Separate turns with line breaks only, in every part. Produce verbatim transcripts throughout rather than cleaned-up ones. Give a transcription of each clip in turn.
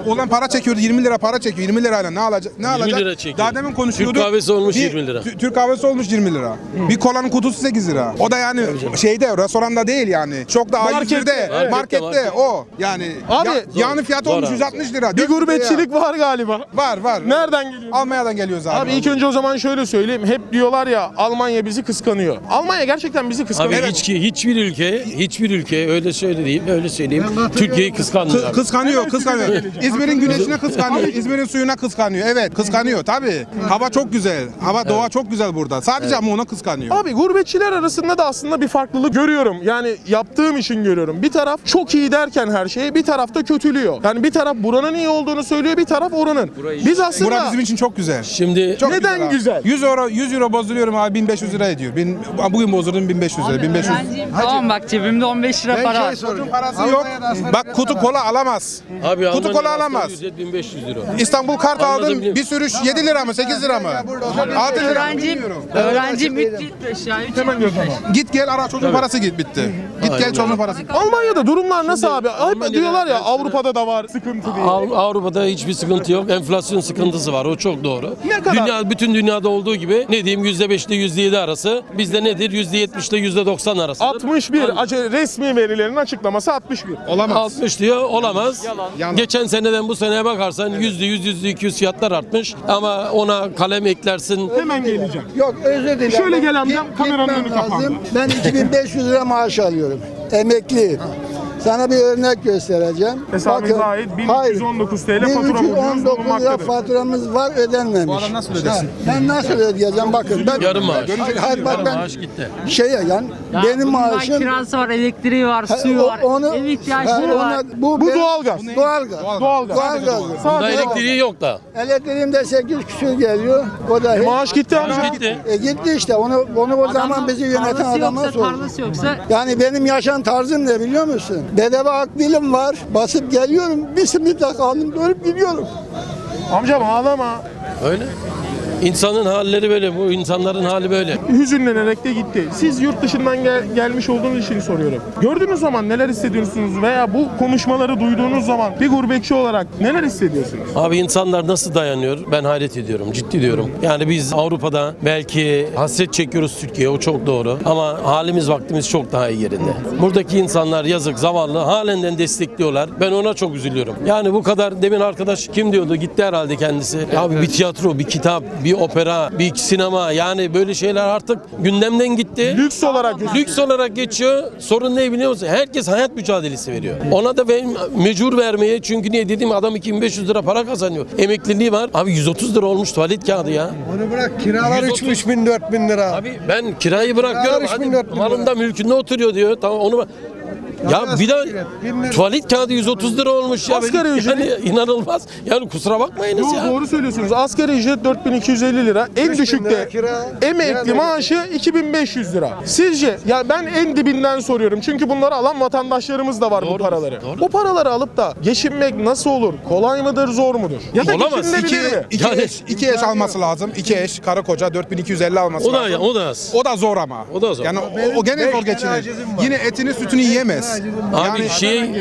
olan para çekiyordu, yirmi lira para çekiyor. yirmi lirayla ne alacak? Ne alacak?
lira çekiyor.
Daha demin konuşuyorduk.
Türk kahvesi olmuş
Bir-
yirmi lira.
Tü- Türk kahvesi olmuş yirmi lira. Bir kolanın kutusu sekiz lira. O da yani şeyde, restoranda değil yani. Çok da A yüz bir'de,
Markette,
markette,
markette.
o. Yani
Abi,
ya, yağının fiyatı
Zor
olmuş
abi.
yüz altmış lira.
Bir
dört yüz lira.
gurbetçilik var galiba.
Var var.
Nereden geliyor?
Almanya'dan geliyoruz abi.
Abi ilk önce o zaman şöyle söyleyeyim. Hep diyorlar ya Almanya bizi kıskanıyor. Almanya gerçekten bizi
Abi
kıskanıyor.
hiç, hiçbir ülke, hiçbir ülke öyle söyleyeyim, öyle söyleyeyim. Türkiye'yi kıskanmıyor.
Kı-
abi.
kıskanıyor, kıskanıyor. İzmir'in güneşine kıskanıyor. İzmir'in suyuna kıskanıyor. Evet, kıskanıyor tabii. Hava çok güzel. Hava, doğa çok güzel burada. Sadece ama ona kıskanıyor.
Abi gurbetçiler arasında da aslında bir farklılık görüyorum. Yani yaptığım için görüyorum. Bir taraf çok iyi derken her şeyi, bir taraf da kötülüyor. Yani bir taraf buranın iyi olduğunu söylüyor, bir taraf oranın. Biz aslında
Bura bizim için çok güzel.
Şimdi
Çok
Neden
abi.
güzel?
yüz euro yüz euro bozduruyorum abi bin beş yüz lira ediyor. Bin, bugün bozdurdum bin beş yüz lira. bin beş yüz.
Tamam bak cebimde on beş lira para var.
Çocuğun parası yok. Bak kutu kola alamaz.
abi
Kutu kola alamaz.
bin beş yüz lira.
İstanbul kart
Anladım,
aldım.
biliyorum.
Bir sürüş yedi lira mı sekiz lira mı? altı lira mı
Öğrenciyim,
bilmiyorum.
öğrenciyim üç yüz beş ya. üç yüz beş.
Git gel ara çocuğun parası git bitti. Git gel çocuğun parası.
Almanya'da durumlar nasıl abi? Hep
Almanya'da
diyorlar ya
ben sana-
Avrupa'da da var sıkıntı diye.
Av- Avrupa'da hiçbir sıkıntı yok. Enflasyon sıkıntısı var. O çok doğru.
Ne kadar?
Dünya, bütün dünyada olduğu gibi ne diyeyim yüzde beş ile yüzde yedi arası. Bizde nedir? yüzde yetmiş ile yüzde doksan arası.
altmış bir acı- resmi verilerin açıklaması altmış bir.
Olamaz.
altmış diyor olamaz.
Yalan.
Geçen seneden bu seneye bakarsan yüzde yüz, yüzde iki yüz fiyatlar artmış. Ama ona kalem eklersin.
Hemen geleceğim.
Yok özür dilerim.
Şöyle gel amcam,
Git-
kameranın
gitmem
önü kapandı.
lazım. Ben iki bin beş yüz lira maaş alıyorum. Emekliyim. Sana bir örnek göstereceğim.
Hesabınıza ait bin üç yüz on dokuz TL fatura
bin üç yüz on
borcunuz
dokuz lira
bulunmaktadır.
faturamız var ödenmemiş.
Bu adam nasıl ödesin?
Ha, Ben nasıl ödeyeceğim bakın. Ben,
Yarım maaş.
Hayır, hayır, bak
Yarım
ben
maaş gitti.
şey yani benim
Bunun
maaşım
kirası var, elektriği var,
Ha,
suyu
o-
var,
onu-
ev ihtiyaçları
ha,
var.
ona- bu,
Bu
benim-
doğalgaz.
Doğalgaz.
Doğalgaz.
Doğalgaz.
Bunda
Sadece
elektriği yok da.
Elektriğim de sekiz küsür geliyor. O da hiç-
maaş gitti amca.
Maaş gitti.
E gitti işte. Onu onu o zaman
Adamın
bizi yöneten
tarlası
adama
yoksa,
sor.
tarlası yoksa
Yani benim yaşam tarzım ne biliyor musun? Bedava akbilim var. Basıp geliyorum. Bir simitle kaldım. Dönüp gidiyorum.
Amcam ağlama.
Öyle. İnsanın halleri böyle. Bu insanların hali böyle.
Hüzünlenerek de gitti. Siz yurt dışından gel- gelmiş olduğunuz için soruyorum. Gördüğünüz zaman neler hissediyorsunuz veya bu konuşmaları duyduğunuz zaman bir gurbetçi olarak neler hissediyorsunuz?
Abi insanlar nasıl dayanıyor? Ben hayret ediyorum. Ciddi diyorum. Yani biz Avrupa'da belki hasret çekiyoruz Türkiye'ye. O çok doğru. Ama halimiz vaktimiz çok daha iyi yerinde. Buradaki insanlar yazık, zavallı. Halenden destekliyorlar. Ben ona çok üzülüyorum. Yani bu kadar demin arkadaş kim diyordu? Gitti herhalde kendisi. Abi bir tiyatro, bir kitap, bir opera, bir sinema. Yani böyle şeyler artık gündemden gitti.
Lüks olarak
Lüks olarak geçiyor. Sorun ne biliyor musun? Herkes hayat mücadelesi veriyor. Ona da ben mecbur vermeye çünkü niye dediğim adam iki bin beş yüz lira para kazanıyor. Emekliliği var. Abi yüz otuz lira olmuş tuvalet kağıdı ya.
Onu bırak kiralar
yüz otuz
üç bin dört bin lira.
Abi ben kirayı bırakıyorum.
üç bin,
Hadi
dört bin lira.
malında mülkünde oturuyor diyor. Tamam onu ya bir de tuvalet kağıdı yüz otuz lira olmuş ya.
Asgari
yani
ücret-
inanılmaz. Yani kusura bakmayınız
Doğru,
ya.
doğru söylüyorsunuz. Asgari ücret dört bin iki yüz elli lira. En
bin
düşükte
lira kira.
emekli
Kira
maaşı iki bin beş yüz lira. Sizce ya ben en dibinden soruyorum. Çünkü bunları alan vatandaşlarımız da var bu
Doğru,
paraları.
doğru.
Bu paraları alıp da geçinmek nasıl olur? Kolay mıdır, zor mudur? Ya da
Olamaz.
geçinilebilir
İki,
mi?
iki,
Yani-
eş, iki eş alması lazım. İki eş, karı koca dört bin iki yüz elli alması
O da
lazım.
o da az.
O da zor ama.
O da zor.
Yani o, o gene zor geçinir. Yine etini sütünü yiyemez.
Abi şey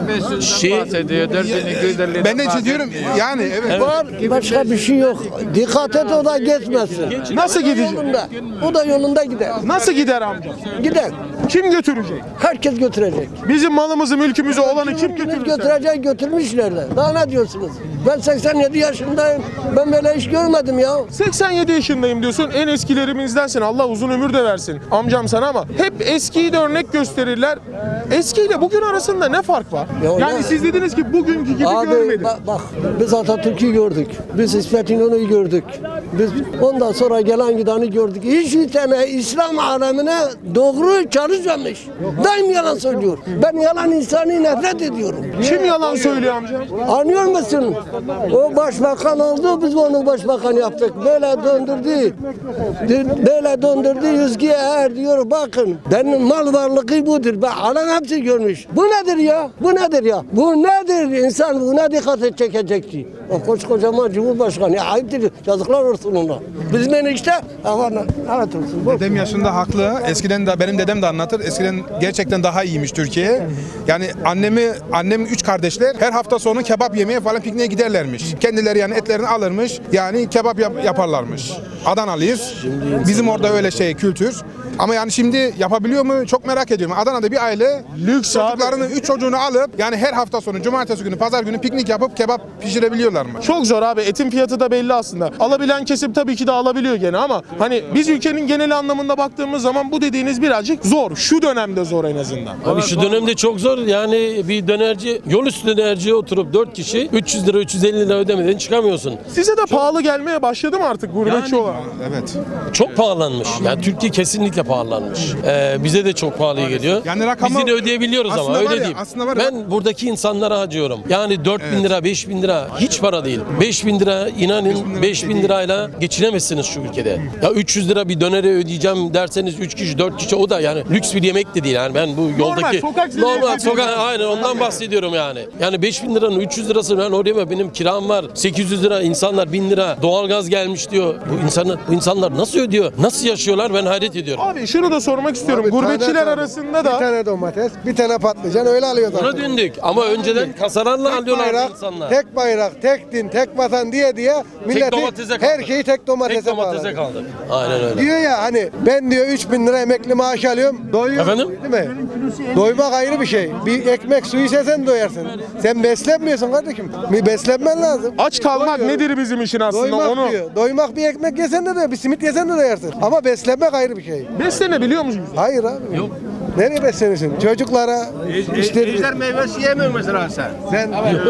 şey
Ben de şey diyorum yani evet.
Var başka bir şey yok. Dikkat et o da geçmesin.
Nasıl gidecek?
Yolunda. O da yolunda gider.
Nasıl gider amca?
Gider.
Kim götürecek?
Herkes götürecek.
Bizim malımızı, mülkümüzü olanı kim
Kim
götürecek?
götürecek götürmüşler de. Daha ne diyorsunuz? Ben seksen yedi yaşındayım. Ben böyle iş görmedim ya.
seksen yedi yaşındayım diyorsun. En eskilerimizdensin. Allah uzun ömür de versin. Amcam sana ama hep eskiyi de örnek gösterirler. Eskiyle bugün arasında ne fark var?
Ya
yani
ne-
siz dediniz ki bugünkü gibi
Abi
görmedim.
bak, bak biz Atatürk'ü gördük. Biz İsmet İnönü'yü gördük. Biz ondan sonra gelen gideni gördük. Hiçbir tane İslam alemine doğru çalışmamış. Daim yalan söylüyor. Ben yalan insanı nefret ediyorum.
Kim yalan söylüyor amca?
Anlıyor musun? O başbakan oldu, biz onu başbakan yaptık. Böyle döndürdü. Böyle döndürdü, yüzgüye eğer diyor, bakın benim mal varlığı budur. Ben alan hepsi görmüş. Bu nedir ya? Bu nedir ya? Bu nedir? İnsan buna dikkat çekecekti. O koskocaman Cumhurbaşkanı. Ya ayıptır. Yazıklar olsun Resulullah. Bizim enişte Allah'ına evet olsun. Bu.
Dedem yaşında haklı. Eskiden de benim dedem de anlatır. Eskiden gerçekten daha iyiymiş Türkiye. Yani annemi, annem üç kardeşler her hafta sonu kebap yemeye falan pikniğe giderlermiş. Kendileri yani etlerini alırmış. Yani kebap yap- yaparlarmış. Adanalıyız. Bizim orada öyle şey kültür. Ama yani şimdi yapabiliyor mu? Çok merak ediyorum. Adana'da bir aile
Lüks
çocuklarını, üç çocuğunu alıp yani her hafta sonu, cumartesi günü, pazar günü piknik yapıp kebap pişirebiliyorlar mı?
Çok zor abi. Etin fiyatı da belli aslında. Alabilen kesim tabii ki de alabiliyor gene ama hani biz ülkenin genel anlamında baktığımız zaman bu dediğiniz birazcık zor. Şu dönemde zor en azından.
Abi şu dönemde çok zor. Yani bir dönerci, yol üstü dönerciye oturup dört kişi üç yüz lira üç yüz elli lira ödemeden çıkamıyorsun.
Size de pahalı gelmeye başladı mı artık gurbetçi
Yani-
olarak?
Evet.
Çok pahalanmış. Yani Türkiye kesinlikle pahalanmış. Ee, bize de çok pahalı geliyor.
Yani rakamı-
Biz yine ödeyebiliyoruz ama
Aslında var
öyle
ya,
değil.
aslında var ya-
Ben buradaki insanlara acıyorum. Yani dört bin lira, beş bin lira hiç para değil. beş bin lira inanın beş bin lirayla geçinemezsiniz şu ülkede. Ya üç yüz lira bir dönere ödeyeceğim derseniz üç kişi dört kişi o da yani lüks bir yemek de değil. Yani ben bu yoldaki
sokak ziyafeti
normal
değil.
sokak aynen ondan bahsediyorum yani. Yani beş bin liranın üç yüz lirası ben oraya benim kiram var. sekiz yüz lira insanlar bin lira doğalgaz gelmiş diyor. Bu insanlar bu insanlar nasıl ödüyor? Nasıl yaşıyorlar ben hayret ediyorum.
Abi şunu da sormak istiyorum.
Abi,
Gurbetçiler
tane-
arasında
Bir
da
tane domates, bir tane patlıcan öyle alıyorlar.
Buna döndük ama önceden kasalarla
Tek
alıyorlardı
bayrak,
insanlar.
tek bayrak, tek din, tek vatan diye diye milleti
domatese kaldık.
her şeyi tek domatese,
Tek domatese
bağladı.
kaldık. Aynen öyle.
Diyor ya hani ben diyor üç bin lira emekli maaş alıyorum. Doyuyorum.
Efendim?
Değil mi? Doymak ayrı bir şey. Bir ekmek suyu sen doyarsın. Sen beslenmiyorsun kardeşim. Bir beslenmen lazım.
aç kalmak
Doyuyor.
nedir bizim için aslında
Doymak
onu.
diyor. Doymak bir ekmek yesen de doyar, bir simit yesen de doyarsın. Ama beslenmek ayrı bir şey.
Beslenebiliyor musunuz?
Hayır abi. Yok. Nereye beslenirsin? Çocuklara işte
Ejder meyvesi yemiyor mesela sen.
ben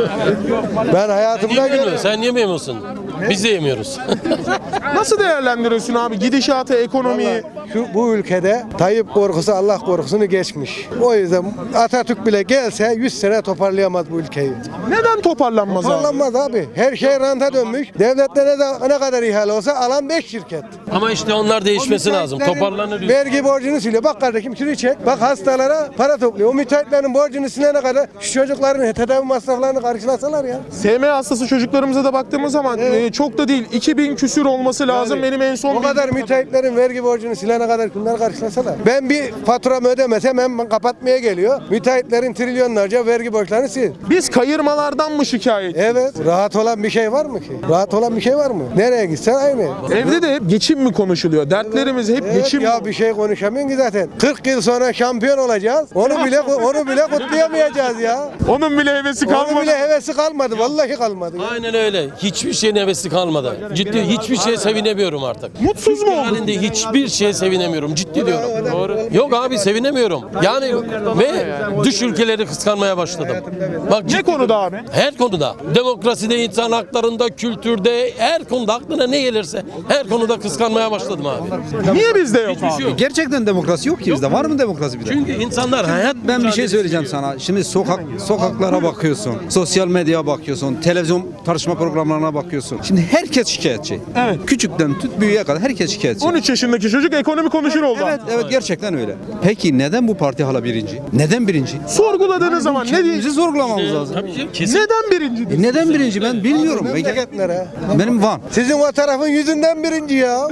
ben hayatımda
Yemiyor
gördüm.
musun? Sen yemiyor musun? Biz de yemiyoruz.
Nasıl değerlendiriyorsun abi gidişatı, ekonomiyi?
Şu bu ülkede Tayyip korkusu Allah korkusunu geçmiş. O yüzden Atatürk bile gelse yüz sene toparlayamaz bu ülkeyi.
Neden toparlanmaz abi?
Toparlanmaz abi. Her şey ranta dönmüş. Devlette ne, ne kadar ihale olsa alan beş şirket.
Ama işte onlar değişmesi lazım.
Müteahhitlerin
Toparlanır.
Vergi borcunu siliyor. Bak kardeşim şunu çek. Bak hastalara para topluyor. O müteahhitlerin borcunu silene kadar şu çocukların tedavi masraflarını karşılasalar ya.
S M hastası çocuklarımıza da baktığımız zaman e, çok da değil iki bin küsür olması lazım benim en son
O kadar müteahhitlerin vergi borcunu silene kadar bunlar karşılasalar. Ben bir faturamı ödemesem hemen kapatmaya geliyor. Müteahhitlerin trilyonlarca vergi borçlarını sil.
Biz kayırmalardan mı şikayet?
Evet. Rahat olan bir şey var mı ki? Rahat olan bir şey var mı? Nereye gitsen aynı.
Evde de hep geçim mi konuşuluyor? Dertlerimiz hep
Evet
geçim
ya
mi?
bir şey konuşamıyorsun ki zaten. kırk yıl sonra şampiyon olacağız. Onu bile onu bile kutlayamayacağız ya.
Onun bile hevesi
Onun
kalmadı.
bile hevesi kalmadı. Vallahi kalmadı.
Aynen öyle. Hiçbir şeyin hevesi kalmadı. Ciddi hiçbir şeye sevinemiyorum artık.
Mutsuz mu oldun?
Halinde hiçbir şeye sevinemiyorum. Ciddi diyorum. Doğru. Yok abi sevinemiyorum. Yani ve dış ülkeleri kıskanmaya başladım. Bak
Ne
ciddi-
konuda abi?
Her konuda. Demokraside, insan haklarında, kültürde, her konuda aklına ne gelirse her konuda kıskanmaya başladım abi.
Niye bizde yok
Hiçbir
abi?
şey yok.
Gerçekten demokrasi yok ki bizde. Var mı demokrasi bir de?
Çünkü insanlar hayat
Ben bir şey söyleyeceğim sana. Şimdi sokak sokaklara bakıyorsun, sosyal medyaya bakıyorsun, televizyon tartışma programlarına bakıyorsun. Şimdi herkes şikayetçi.
Evet.
Küçükten tut büyüğe kadar herkes şikayetçi.
on üç yaşındaki çocuk ekonomi konuşur oldu.
Evet, evet gerçekten öyle. Peki neden bu parti hala birinci? Neden birinci?
Sorguladığınız zaman ne
Bizi
diyeceğiz?
sorgulamamız lazım.
Tabii canım, kesin.
Neden birinci?
E neden birinci ben bilmiyorum. Ben-
Memleketlere.
Benim Van.
Sizin o tarafın yüzünden birinci ya.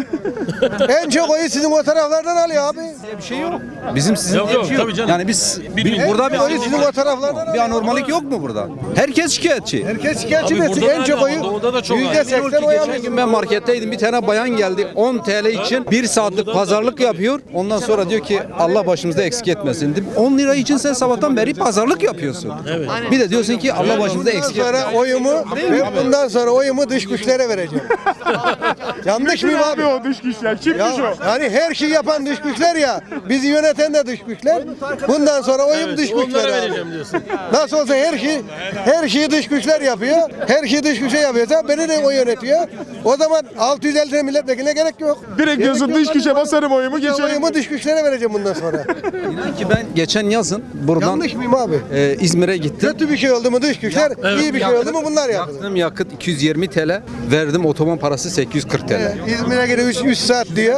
En çok oyu sizin o taraflardan alıyor abi.
Bir şey yok. Bizim sizin
Yok,
diye
yok,
bir şey yok.
tabii canım.
Yani biz
Bir-
bir- burada
En çok oyu
bir
sizin o taraflardan
bir
alıyor.
anormalik yok mu burada? Herkes şikayetçi.
Herkes şikayetçi
Abi
de siz
burada
en
da
çok
öyle,
oyu
doğuda da çok
yüzde
aynı.
seksen oy
Geçen
alıyorsunuz.
gün ben marketteydim. Bir tane bayan geldi. on T L için bir saatlik pazarlık yapıyor. Ondan sonra diyor ki Allah başımızda eksik etmesin. Dedim, on lira için sen sabahtan beri pazarlık yapıyorsun. Bir de diyorsun ki Allah başımızda
Bundan
eksik
sonra
etmesin.
oyumu ben bundan sonra oyumu dış güçlere vereceğim. Yanlış
Kim
mıyım
abi
abi?
o dış güçler? Kimmiş
Ya,
o?
yani her şeyi yapan dış güçler ya. Bizi yöneten de dış güçler. Bundan sonra oyum dış
Onlara
güçlere. abi.
vereceğim diyorsun.
Nasıl olsa her şey her şeyi dış güçler yapıyor. Her şeyi dış güçe yapıyorsa beni de o yönetiyor. O zaman altı yüz elli tane milletvekiline gerek yok.
Direkt diyorsun
Gerek
dış
yok.
güçe basarım oyumu
Ya
geçerim.
oyumu dış güçlere vereceğim bundan sonra.
İnan ki ben geçen yazın buradan
Yanlış mıyım abi?
e, İzmir'e gittim.
Kötü bir şey oldu mu dış güçler, iyi bir şey oldu mu bunlar yapıyor.
Yaktığım yakıt iki yüz yirmi T L, verdim otoban parası sekiz yüz kırk T L.
İzmir'e göre üç saat diyor.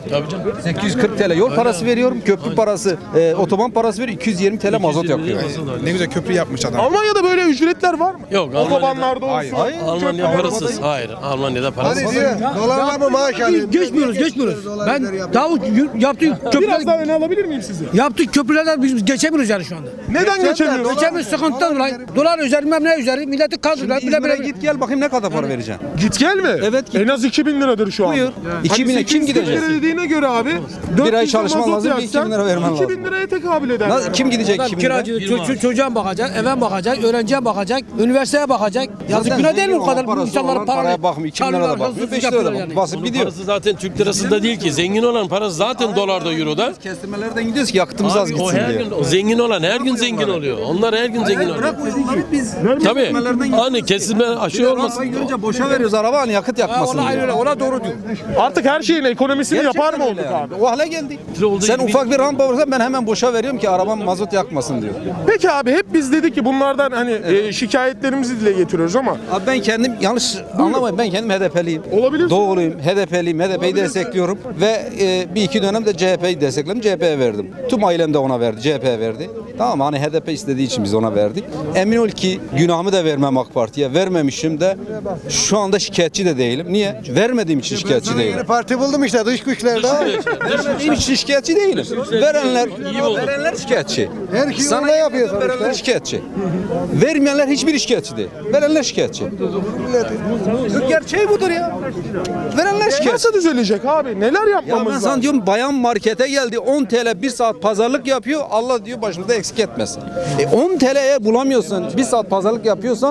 Tabii canım.
sekiz yüz kırk TL yol parası veriyorum. Köprü parası, e, otoban parası veriyorum. iki yüz yirmi TL mazot yakıyor.
Ne güzel köprü yapmış adam.
Almanya'da böyle ücretler var mı?
Yok,
Otobanlarda olsun.
Hayır.
Hayır.
Almanya parasız. Hayır. Almanya'da parasız.
Hani diyor, dolarla mı maaş alıyor?
Geçmiyoruz, geçmiyoruz. Ben Davut yaptığı
Biraz
köprüler,
daha öne alabilir miyim sizi?
yaptığı köprülerden biz geçemiyoruz yani şu anda.
Neden geçemiyoruz?
Geçemiyoruz sıkıntıdan dolayı. Dolar üzeri, bilmem ne üzeri, milleti kaldırdılar. Bile
İzmir'e
bile
git gel bakayım ne kadar para vereceksin.
Git gel mi?
Evet, git.
En az iki bin liradır şu an.
Buyur. iki bine kim gidecek?
lira dediğine göre abi.
Bir ay
dört yüz
çalışman
mazot
lazım, bir iki bin
yaksan
lira vermen
iki bin
lazım.
liraya tekabül eder.
Nasıl, kim gidecek
Adam
iki bin lira?
kiracı, ço- ço- çocuğa bakacak, eve bakacak, öğrenciye bakacak, üniversiteye bakacak. Yazık günah değil mi o kadar
Parası
insanların
olan
parayı
paraya bakmıyor. iki bin lira da
çalıyorlar,
bakmıyor.
hırsızlık
beş lira da
yapıyorlar
bakmıyor.
yani.
Basıp
Onun
gidiyor.
parası zaten Türk lirasında değil ki. Zengin olan parası zaten dolarda, euroda.
Kestirmelerden gidiyoruz ki yakıtımız az
Abi, o
gitsin
her
diye.
gün o zengin olan her gün zengin oluyor. Onlar her gün zengin oluyor.
Bırak o yolları biz.
Tabii. Hani kesilme aşı olmasın.
Arabayı görünce boşa veriyoruz araba hani yakıt
Ha,
yakmasın
ona
diye.
öyle, ona doğru diyor.
Artık her şeyin ekonomisini yapar mı
Gerçekten
olduk
öyle
abi?
yani. O hale geldik.
olduğu
Sen
gibi-
ufak bir rampa varsa ben hemen boşa veriyorum ki arabam mazot yakmasın diyor.
Peki abi hep biz dedik ki bunlardan hani e, şikayetlerimizi dile getiriyoruz ama
Abi ben kendim yanlış anlamayın ben kendim H D P'liyim.
Olabilir.
Doğuluyum, H D P'liyim, H D P'yi destekliyorum ve e, bir iki dönem de C H P'yi destekledim, C H P'ye verdim. Tüm ailem de ona verdi, C H P'ye verdi. Tamam mı? Hani H D P istediği için biz ona verdik. Emin ol ki günahımı da vermem AK Parti'ye. Vermemişim de şu anda şikayetçi de değilim. Niye? Vermediğim için şikayetçi değilim.
Yeni parti buldum işte dış güçlerde.
Vermediğim için şikayetçi değilim. Verenler, verenler şikayetçi.
Her şeyi
Sana
ona yapıyor
verenler
sonuçta.
şikayetçi. Vermeyenler hiçbir şikayetçi değil. Verenler şikayetçi. Gerçeği budur ya. Verenler şikayetçi.
nasıl düzelecek abi? Neler
Ya
yapmamız
ben
lazım?
sana diyorum bayan markete geldi on TL bir saat pazarlık yapıyor. Allah diyor başımıza eksik etmesin. E on T L'ye bulamıyorsan bir saat pazarlık yapıyorsan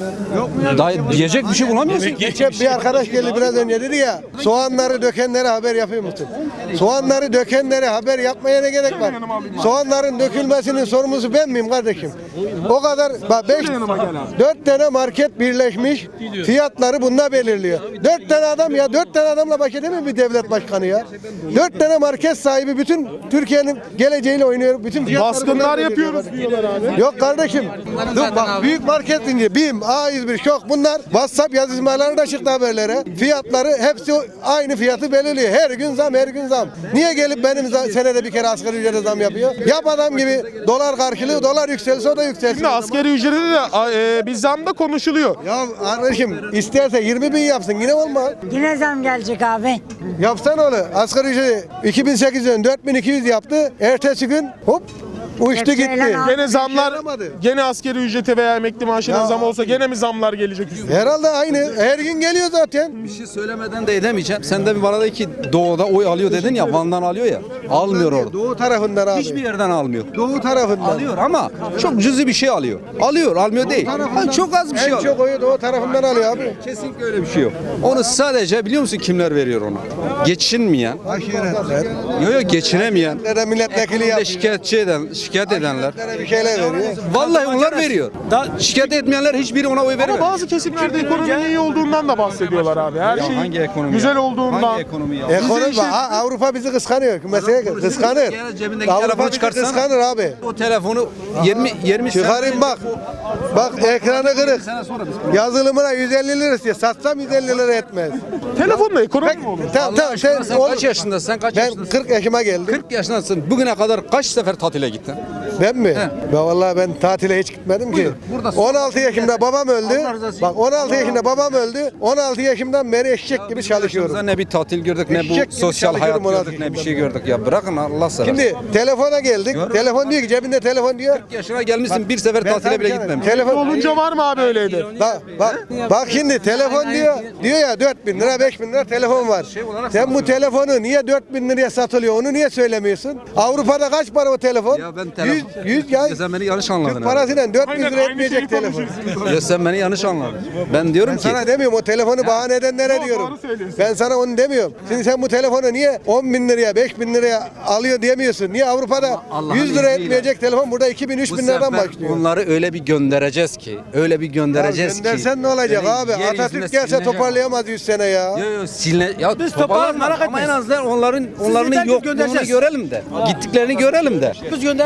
daha diyecek bir şey bulamıyorsun.
Geçen bir arkadaş geldi biraz önce dedi ya soğanları dökenlere haber yapıyor musun? Soğanları dökenlere haber yapmaya ne gerek var? Soğanların dökülmesinin sorumlusu ben miyim kardeşim? O kadar bak beş, dört tane market birleşmiş fiyatları bununla belirliyor. Dört tane adam ya dört tane adamla baş edemiyor bir devlet başkanı ya. Dört tane market sahibi bütün Türkiye'nin geleceğiyle oynuyor. Bütün fiyatları
Baskınlar
bunlar
yapıyoruz
belirliyor.
diyorlar abi.
Yok kardeşim. Dur bak büyük market deyince BİM, A yüz bir şok bunlar WhatsApp yazışmaları da çıktı haberlere. Fiyatları hepsi aynı fiyatı belirliyor. Her gün zam, her gün zam. Niye gelip benim za- senede bir kere asgari ücrete zam yapıyor? Yap adam gibi dolar karşılığı dolar yükselse o da yükselsin.
Şimdi asgari ücrete de a, e, bir zam da konuşuluyor.
Ya kardeşim isterse yirmi bin yapsın yine olmaz.
Yine zam gelecek abi.
Yapsan onu asgari ücreti iki bin sekizden dört bin iki yüz yaptı. Ertesi gün hop uçtu
Hepsi
gitti.
elan aldı.
Gene zamlar,
yaramadı.
gene asgari ücrete veya emekli maaşına
Ya
zam olsa
abi.
gene mi zamlar gelecek üstüne?
Herhalde aynı. Her gün geliyor zaten.
Bir şey söylemeden de edemeyeceğim. Sen de bana da ki doğuda oy alıyor dedin ya Van'dan alıyor ya. Almıyor orada.
Doğu tarafından abi.
Hiçbir yerden almıyor.
Doğu tarafından.
Alıyor ama çok cüzi bir şey alıyor. Alıyor, almıyor değil. Ha, çok az bir şey
En
alıyor.
çok oyu Doğu tarafından alıyor abi.
Kesinlikle öyle bir şey yok. Onu sadece biliyor musun kimler veriyor onu? Geçinmeyen,
Aşiretler.
yok yok geçinemeyen,
Nerede milletvekili
ekonomide
yapıyor.
şikayetçi eden, şikayet edenler.
Nerede bir şeyler veriyor.
Vallahi onlar veriyor. Da şikayet etmeyenler hiçbiri ona oy
Ama
vermiyor.
bazı kesimlerde ekonominin iyi olduğundan da bahsediyorlar abi. Her
Ya
şey
hangi ekonomi
güzel
ya?
olduğundan.
Hangi ekonomi ya?
Ekonomi
işin-
Ha, Avrupa bizi kıskanıyor. Mesela kıskanır.
Gel cebindeki
Avrupa
telefonu
bizi
çıkarsana.
kıskanır abi.
O telefonu yirmi yirmi
Çıkarayım bak. Bak ekranı kırık. Yazılımına yüz elli lira istiyor. Satsam yüz elli lira etmez.
Telefonla ekonomi mi olur?
Tamam tamam sen,
Sen
oğlum,
kaç yaşındasın? Sen kaç
ben
yaşındasın?
kırk yaşıma geldim.
kırk yaşındasın. Bugüne kadar kaç sefer tatile gittin?
Ben mi? Ya vallahi ben tatile hiç gitmedim ki.
buradasın.
on altı yaşımda babam öldü.
Allah razı olsun.
Bak on altı yaşında babam öldü. on altı yaşımdan beri eşek gibi çalışıyorum.
Ne bir tatil gördük, ne
Eşek
bu
gibi
sosyal hayat
çalışıyorum ona
gördük, ne bir şey gördük. Ya bırakın Allah seversen.
Şimdi telefona geldik. Telefon diyor ki cebinde telefon diyor.
yaşına gelmişsin bir sefer tatile bile gitmemiş.
Telefon
Olunca var mı abi öyle hedef?
Bak, bak, bak şimdi telefon diyor, diyor ya dört bin lira beş bin lira telefon var. Sen bu telefonu niye dört bin liraya satılıyor onu niye söylemiyorsun? Avrupa'da kaç para o telefon?
Ya ben telefon...
yüz, yüz ya.
Ya sen beni yanlış anladın.
Türk
herhalde.
parasıyla dört bin
Aynen,
lira
aynı
etmeyecek
şeyi
telefon.
konuşuyoruz.
Ya sen beni yanlış anladın. Ben diyorum
Ben
ki
sana demiyorum o telefonu bahane edenlere
Doğru,
diyorum.
doğru söylüyorsun.
Ben sana onu demiyorum. Şimdi sen bu telefonu niye on bin liraya beş bin liraya alıyor diyemiyorsun. Niye Avrupa'da
Allah'ın
yüz lira
izniyle.
etmeyecek telefon burada iki bin üç
bu
bin liradan
sefer
başlıyor.
bunları öyle bir göndereceğiz ki, öyle bir
Ya
göndereceğiz ki.
göndersen ne olacak
böyle
abi?
yeryüzüne
Atatürk gelse
silinecek.
toparlayamaz yüz sene ya.
Yo yo siline ya
Biz
toparlarız
toparlarız, merak
ama en
etmeyin.
azından onların onların
yeter ki
yokluğunu
göndereceğiz.
görelim de. Gittiklerini görelim de.
Biz göndeririz.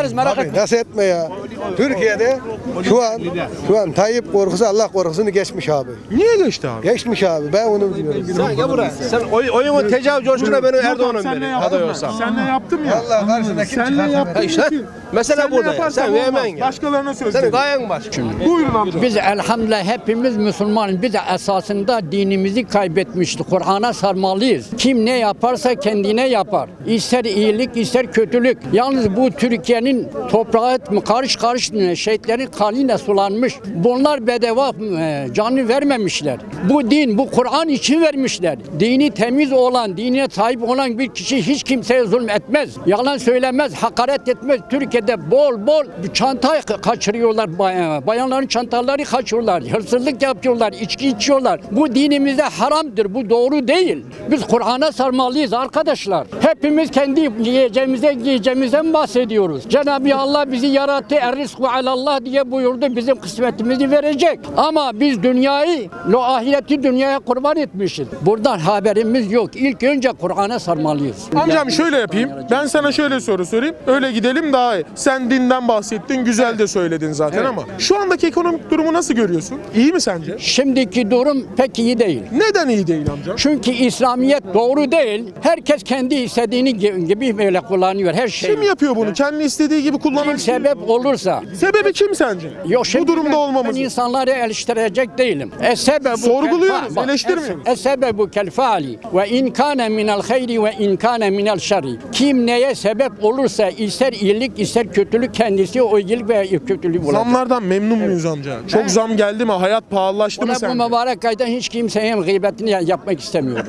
ederiz merak
Abi
etme.
nasıl etme ya? Türkiye'de şu an şu an Tayyip korkusu Allah korkusunu geçmiş abi.
Niye geçti abi?
Geçmiş abi. Ben onu biliyorum.
Sen gel buraya. Sen oy, oyunu tecavüz coşkuna beni Erdoğan'ın beri. Aday olsam.
Senle yaptım ya.
Allah karşısında kim
Senle
çıkarsa
yaptım.
İşte mesele
Senle
burada. ya.
yaparsam
Sen
olmaz.
vermen gel.
Başkalarına söz
Senin
verin.
gayen var.
Buyurun amca.
Biz elhamdülillah hepimiz Müslümanız. Biz de esasında dinimizi kaybetmiştik. Kur'an'a sarmalıyız. Kim ne yaparsa kendine yapar. İster iyilik ister kötülük. Yalnız bu Türkiye'nin toprağı karış karış şehitlerin kanıyla sulanmış. Bunlar bedava e, canı vermemişler. Bu din, bu Kur'an için vermişler. Dini temiz olan, dinine sahip olan bir kişi hiç kimseye zulüm etmez. Yalan söylemez, hakaret etmez. Türkiye'de bol bol çanta kaçırıyorlar. Bayanların çantaları kaçırıyorlar. Hırsızlık yapıyorlar, içki içiyorlar. Bu dinimizde haramdır. Bu doğru değil. Biz Kur'an'a sarmalıyız arkadaşlar. Hepimiz kendi yiyeceğimize, giyeceğimizden bahsediyoruz. Cenab-ı Allah bizi yarattı. Er-rizku alallah diye buyurdu. Bizim kısmetimizi verecek. Ama biz dünyayı, o ahireti dünyaya kurban etmişiz. Buradan haberimiz yok. İlk önce Kur'an'a sarmalıyız.
Amcam şöyle yapayım. Ben sana şöyle soru sorayım. Öyle gidelim daha iyi. Sen dinden bahsettin. Güzel de söyledin zaten ama. Şu andaki ekonomik durumu nasıl görüyorsun? İyi mi sence?
Şimdiki durum pek iyi değil.
Neden iyi değil amca?
Çünkü İslamiyet doğru değil. Herkes kendi istediğini gibi böyle kullanıyor her şeyi.
Kim yapıyor bunu? Kendi istediği gibi
Kim
kullanan
sebep olursa.
Sebebi kim sence?
Yok, şimdi
Bu durumda
ben,
olmamız.
Ben insanları eleştirecek değilim. Es-sebebu
Sorguluyoruz,
kel- bak,
eleştirmiyoruz.
es- Es-sebebu kel faali ve in kana minel hayri ve in kana minel şerri. Kim neye sebep olursa ister iyilik ister kötülük kendisi o iyilik ve kötülük olacak.
Zamlardan memnun muyuz amca? Çok
He.
zam geldi mi? Hayat pahalılaştı mı
Ona bu
sence?
mübarek ayda hiç kimseye gıybetini ya- yapmak istemiyorum.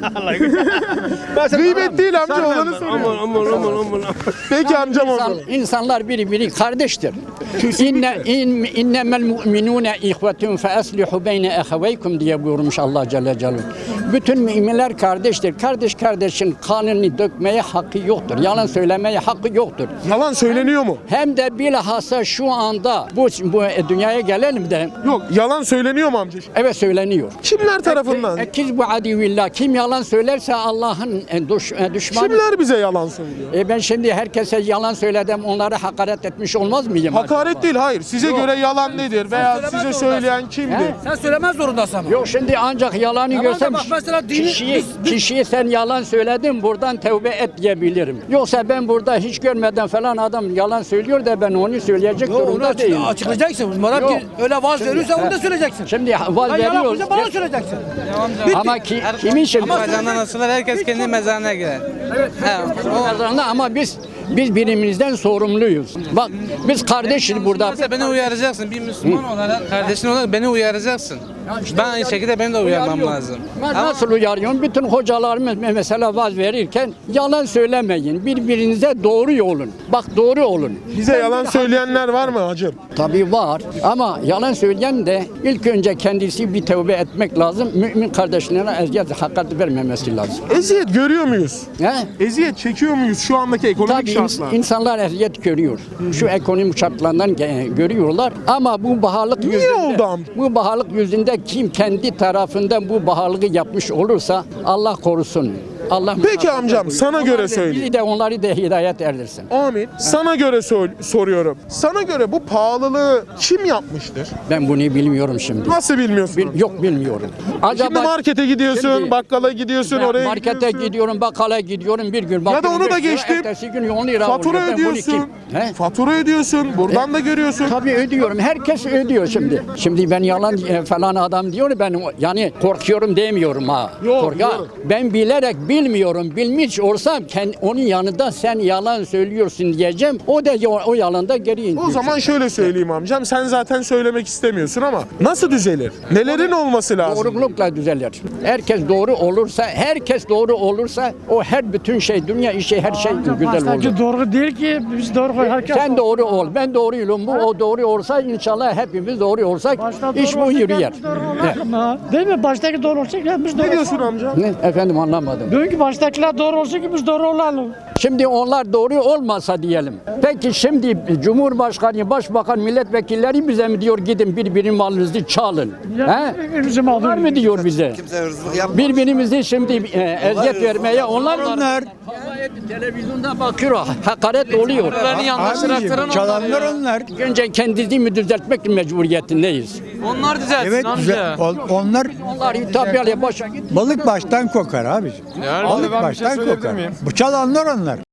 Gıybet değil amca olanı
Aman
söylüyorum.
aman aman aman.
Peki amcam
İnsan,
oldu.
insanlar birbiri kardeştir. İnne in, innemel mu'minune ihvetun fe eslihu beyne eheveykum diye buyurmuş Allah Celle Celaluhu. Bütün müminler kardeştir. Kardeş kardeşin kanını dökmeye hakkı yoktur. Yalan söylemeye hakkı yoktur.
Yalan söyleniyor mu?
Hem de bilhassa şu anda bu, bu dünyaya gelelim de
Yok. Yalan söyleniyor mu amca?
evet söyleniyor.
Kimler tarafından?
Ekiz bu adivillah. Kim yalan söylerse Allah'ın e, düş, e, düşmanı.
Kimler bize yalan söylüyor?
E ben şimdi herkese yalan söyledim, onları hakaret etmiş olmaz mıyım?
Hakaret değil, hayır. Size göre yalan nedir veya size söyleyen kimdir?
He?
Sen söylemez zorundasın ama.
Yok şimdi ancak yalanı
Tamam da
görsem
bak mesela dini-
kişiyi,
biz- biz-
kişiyi sen yalan söyledin buradan tevbe et diyebilirim. Yoksa ben burada hiç görmeden falan adam yalan söylüyor da ben onu söyleyecek
Yok, onu
durumda
açık-
değilim.
açıklayacaksın. Madem ki
Yok.
öyle vaaz
Şimdi-
veriyorsa onu
he.
da söyleyeceksin.
Şimdi vaz
Ben yalan
veriyoruz.
konuşacağım, bana söyleyeceksin. Bitti.
Ama ki, kimin şimdi?
Mezarından asılır, herkes kendi mezarına girer.
Mezarında ama biz biz birbirimizden sorumluyuz. Bak biz kardeşiz burada.
Mesela beni uyaracaksın, bir Müslüman olarak, kardeşin olarak beni uyaracaksın. Ben aynı şekilde benim de uyarmam
Uyarıyorum.
lazım.
Ben
Ama
nasıl uyarıyorum? Bütün hocalarımız mesela vaaz verirken yalan söylemeyin. Birbirinize doğru olun. Bak doğru olun.
Bize yalan söyleyenler var mı hacım?
Tabii var ama yalan söyleyen de ilk önce kendisi bir tövbe etmek lazım. Mümin kardeşlerine eziyet hakaret vermemesi lazım.
Eziyet görüyor muyuz?
He?
Eziyet çekiyor muyuz şu andaki ekonomik
Tabii ins-
şartlar?
insanlar eziyet görüyor. Şu ekonomik şartlarından ge- görüyorlar ama bu baharlık
Niye
yüzünde,
oldu amca?
bu baharlık yüzünde kim kendi tarafından bu baharlığı yapmış olursa Allah korusun. Allah
Peki amcam, sana
Onlar
göre
da-
söyleyeyim.
Bizi de onları da hidayet erdirsin.
Amin. Sana göre sor- soruyorum. Sana göre bu pahalılığı kim yapmıştır?
Ben bunu bilmiyorum şimdi.
Nasıl bilmiyorsun?
Bil- yok bilmiyorum.
Şimdi markete gidiyorsun,
Şimdi-
bakkala gidiyorsun,
Ben
oraya
markete
gidiyorsun.
gidiyorum, bakkala gidiyorum bir gün.
Ya da
bakıyorum
onu da
beş lira,
geçtim.
Ertesi gün on lira
Fatura
oluyor. Ben bunu
ödüyorsun.
kim- He?
Fatura ödüyorsun. Buradan da görüyorsun.
Tabii ödüyorum. Herkes ödüyor şimdi. Şimdi ben yalan e, falan adam diyor ben o- yani korkuyorum demiyorum ha.
Yok,
Korka-
yok.
Ben bilerek bilmiyorum. Bilmiş olsam kendi, onun yanında sen yalan söylüyorsun diyeceğim. O da o, o yalanda geri indiriyor.
O zaman şöyle söyleyeyim amcam. Sen zaten söylemek istemiyorsun ama nasıl düzelir? Nelerin olması lazım?
Doğrulukla düzelir. Herkes doğru olursa, herkes doğru olursa o her bütün şey, dünya işi her şey güzel olur.
doğru değil ki biz doğru herkes.
Sen doğru ol, ben doğruyum. Bu o doğru olsa inşallah hepimiz doğru olsak iş bu yürüyer. Ne?
Değil mi? Baştaki doğru olacak ki biz
Ne diyorsun amca?
Ne? Efendim anlamadım.
Diyor ki baştakiler doğru olsun ki biz doğru olalım.
Şimdi onlar doğru olmasa diyelim. Peki şimdi Cumhurbaşkanı, Başbakan, milletvekilleri bize mi diyor gidin birbirinin malınızı çalın? He?
Bizim
Onlar mı diyor bize?
Kimse hırsızlık yapmaz.
Birbirimizi şimdi e, eziyet vermeye onlar mı? Televizyonda bakıyor, hakaret oluyor.
Bunların yanlış tarafları
Çalanlar onlar.
Önce kendimizi düzeltmek mecburiyetindeyiz.
Onlar düzelsin
Evet
amca.
güzel. O- Onlar
Onlar hitap başa git.
balık baştan kokar abi. Balık baştan kokar. Bu çalanlar onlar.